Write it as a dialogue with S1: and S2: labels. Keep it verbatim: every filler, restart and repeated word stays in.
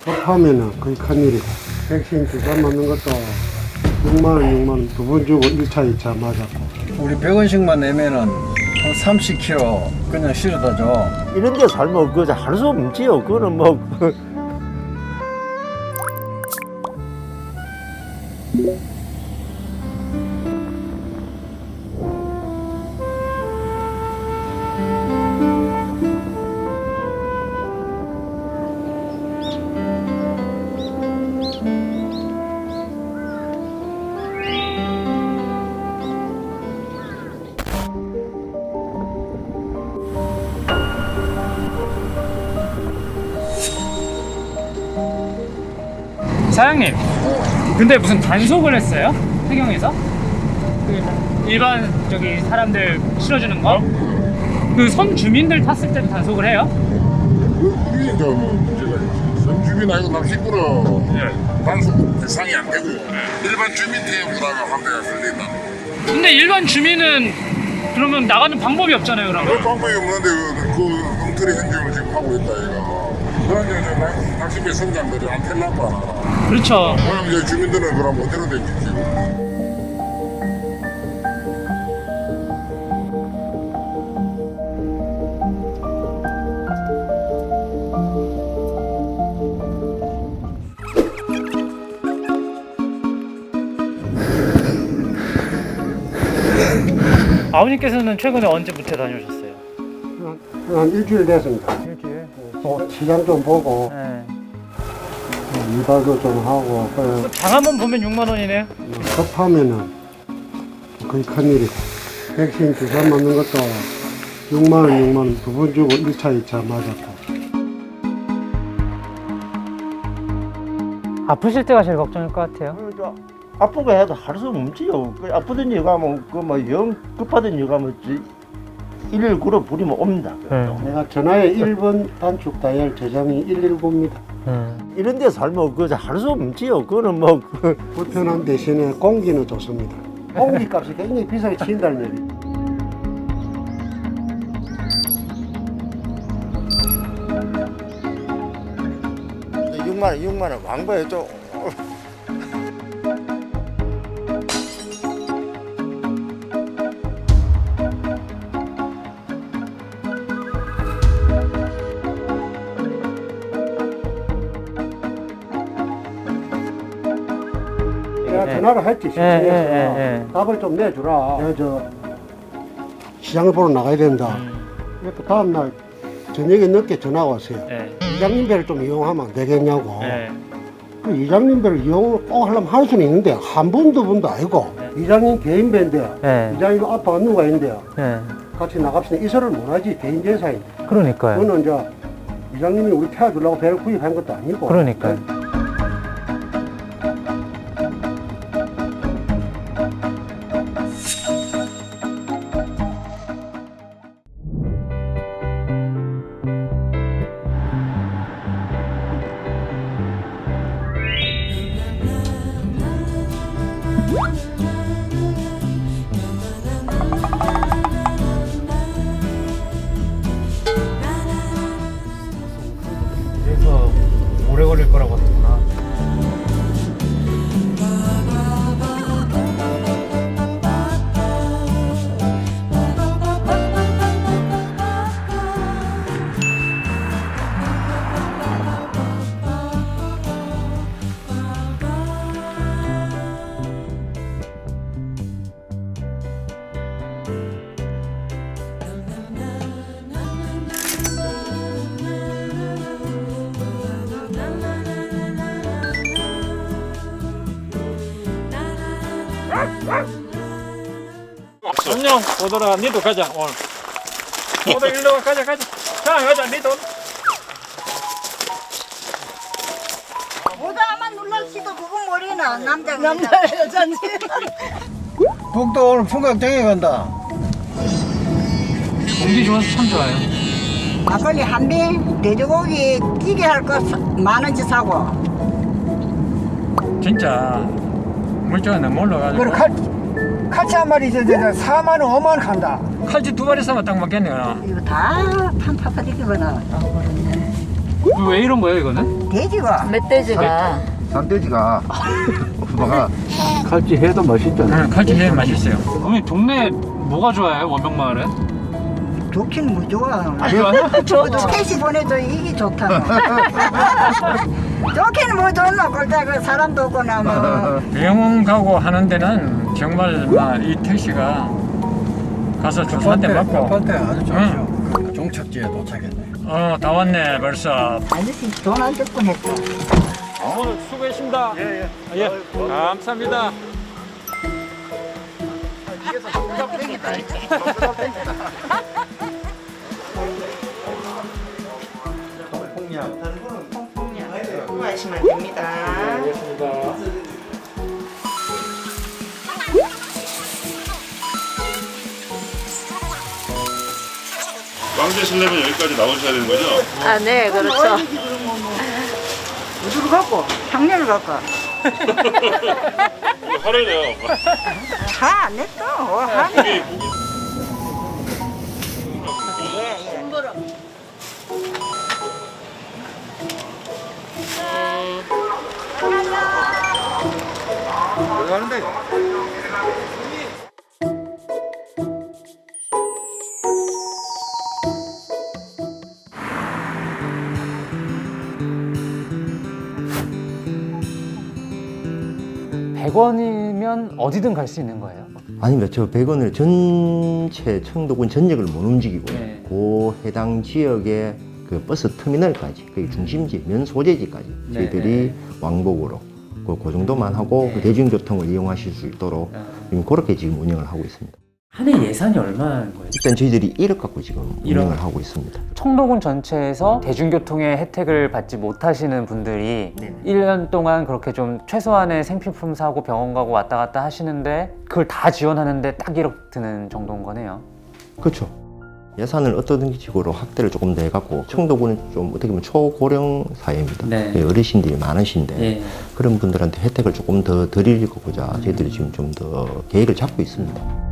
S1: 급하면은 거의 큰일이고, 백신 주사 맞는 것도 육만 원, 육만 원 두 번 주고 일 차, 이 차 맞았고.
S2: 우리 백 원씩만 내면은 한 삼십 킬로그램 그냥 실어다 줘.
S3: 이런 데 살면 그거 할 수 없지요. 그거는 뭐.
S4: 사장님, 근데 무슨 단속을 했어요? 해경에서? 그 일반 저기 사람들 실어주는 거? 그 선 주민들 탔을 때도 단속을 해요?
S5: 우리 저 문제가 선주민 아니고 낚시꾼은
S4: 네.
S5: 단속 대상이 안 되고 일반 주민 대용으로다가 한 대가 걸린다.
S4: 근데 일반 주민은 그러면 나가는 방법이 없잖아요,
S5: 그
S4: 그러면.
S5: 방법이 없는데 그, 그 엉터리 행정을 지금 하고 있다 얘가. 그런 이제 저 낚시배 선장들이 안 텔라고 하나.
S4: 그렇죠.
S5: 그럼 이제 주민들은 그럼 어디로 댕기지?
S4: 아버님께서는 최근에 언제 무태 다녀오셨어요?
S1: 한, 한 일주일 됐습니다.
S4: 일주일.
S1: 또 시장 좀 보고,
S4: 네.
S1: 이발도 좀 하고, 그래.
S4: 장 한 번 보면 육만 원이네요.
S1: 급하면은 거의 큰일이고, 백신 주사 맞는 것도 육만 원, 육만 원 두 번 주고 일 차, 이 차 맞았고.
S4: 아프실 때가 제일 걱정일 것 같아요.
S3: 아프고 해도 할 수 없지요. 그 아프던 여가 뭐, 그뭐영 급하던 여가 뭐, 일일구로 부리면 옵니다.
S4: 네.
S1: 내가 전화에 일 번 단축 다이얼 저장이 일일구입니다.
S4: 음.
S3: 이런 데 살면 그거 할 수 없지요. 그거는 뭐.
S1: 불편한 대신에 공기는 좋습니다. 공기 값이 굉장히 비싸게 친다는 얘기.
S3: 육만 원, 육만 원 왕거에 좀.
S1: 내가
S4: 네.
S1: 전화를 했지, 시청에서.
S4: 네, 네, 네.
S1: 답을 좀 내주라. 내가 저 시장을 보러 나가야 된다. 그래서 다음날 저녁에 늦게 전화가 왔어요.
S4: 네.
S1: 이장님 배를 좀 이용하면 안 되겠냐고.
S4: 네.
S1: 그 이장님 배를 이용을 꼭 하려면 할 수는 있는데 한 번, 두 번도 아니고 이장님 개인 배인데
S4: 네.
S1: 이장님 아빠가 누가 있는데요.
S4: 네.
S1: 같이 나갑시다. 이설을 못하지. 개인 재산인데.
S4: 그러니까요.
S1: 그거는 이제 이장님이 우리 태워주려고 배를 구입한 것도 아니고.
S4: 그러니까요. 그래서 오래 걸릴 거라고 하셨구나. 안녕, 오더라. 니도 가자, 오늘. 오더 일로 가, 가자, 가자. 자, 가자, 니도.
S6: 보다만 눌러치도 그거 모르나 남자가 남자 여자인지
S2: 북도 오늘 풍각장에 간다.
S4: 공기 좋아서 참 좋아요.
S6: 막걸리 한 병 돼지고기 찌개 할 거 만 원치 사고
S4: 진짜 물자가 너무 올라가지고.
S7: 그리고 칼, 칼치 한 마리 이제 사만 원, 오만 원 간다.
S4: 칼집 두 마리 사면 딱 맞겠네요.
S6: 이거 다 판파파 디기거나
S4: 왜 이런 거예요, 이거는?
S6: 돼지가
S8: 멧돼지가
S3: 산돼지가 엄마가 칼치 해도 맛있잖아.
S4: 네, 칼질해 맛있어요. 어머니 동네 뭐가 좋아요? 원병마을은?
S6: 좋긴 뭐 좋아.
S4: 안 좋아요?
S6: 저도 택시 보내도 이게 좋다. 좋긴 뭐 좋나 골짜 그 사람도 없고나 뭐.
S9: 병원 가고 하는 데는 정말 막 이 택시가 가서 주소 한 대 맞고
S2: 아파트 아주 좋죠.
S9: 응.
S2: 그 종착지에 도착했네.
S9: 어 다 왔네 벌써.
S6: 아저씨 돈 안 줬고 했어.
S9: 오늘 수고했습니다. 예예. 예. 감사합니다.
S6: 구하시면 됩니다.
S5: 빵 드시려면 여기까지 나오셔야 되는 거죠?
S8: 아, 네, 그렇죠.
S6: 어디로 갈까? 향년을 갈까?
S5: 화를 내요.
S6: 화안 냈어. 화.
S5: 고기, 고기.
S3: 들어가는데.
S4: 백 원이면 어디든 갈 수 있는 거예요?
S3: 아닙니다. 저 백 원을 전체 청도군 전역을 못 움직이고
S4: 네.
S3: 그 해당 지역의 그 버스 터미널까지, 그 중심지, 면 소재지까지
S4: 네,
S3: 저희들이
S4: 네.
S3: 왕복으로 그, 그 정도만 하고 그 대중교통을 이용하실 수 있도록 지금 그렇게 지금 운영을 하고 있습니다.
S4: 한 해 예산이 얼마인 거예요?
S3: 일단 저희들이 일억 갖고 지금
S4: 일억.
S3: 운영을 하고 있습니다.
S4: 청도군 전체에서 대중교통의 혜택을 받지 못하시는 분들이
S3: 네네.
S4: 일 년 동안 그렇게 좀 최소한의 생필품 사고 병원 가고 왔다 갔다 하시는데 그걸 다 지원하는데 딱 일억 드는 정도인 거네요.
S3: 그렇죠. 예산을 어떤 식으로 확대를 조금 더 해갖고 청도군은 좀 어떻게 보면 초고령 사회입니다.
S4: 네.
S3: 예, 어르신들이 많으신데
S4: 예.
S3: 그런 분들한테 혜택을 조금 더 드리고자 저희들이 지금 좀 더 계획을 잡고 있습니다.